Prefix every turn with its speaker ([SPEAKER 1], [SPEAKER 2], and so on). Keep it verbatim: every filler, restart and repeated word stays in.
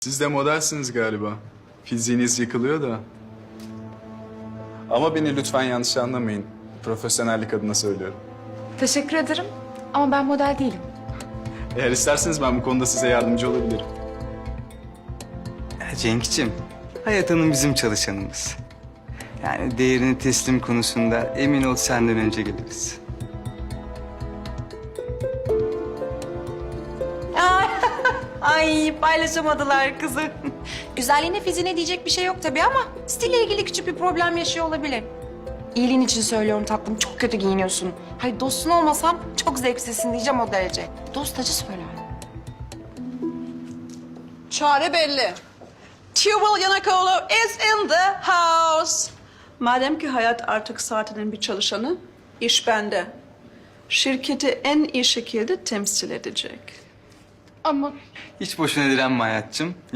[SPEAKER 1] Siz de modelsiniz galiba. Fiziğiniz yıkılıyor da. Ama beni lütfen yanlış anlamayın. Profesyonellik adına söylüyorum.
[SPEAKER 2] Teşekkür ederim ama ben model değilim.
[SPEAKER 1] Eğer isterseniz ben bu konuda size yardımcı olabilirim.
[SPEAKER 3] Ya Cenk'ciğim, Hayat Hanım bizim çalışanımız. Yani değerini teslim konusunda emin ol senden önce geliriz.
[SPEAKER 4] Ay paylaşamadılar kızım. Güzelliğine fiziğine diyecek bir şey yok tabii ama stille ilgili küçük bir problem yaşıyor olabilir. İyiliğin için söylüyorum tatlım, çok kötü giyiniyorsun. Hayır dostun olmasam çok zevksizsin diyeceğim o derece. Dost acı söyler.
[SPEAKER 5] Çare belli. Tuval Yanakoğlu is in the house. Madem ki Hayat artık saatinin bir çalışanı, iş bende. Şirketi en iyi şekilde temsil edecek.
[SPEAKER 2] Ama
[SPEAKER 3] Hiç boşuna direnme Hayat'cığım.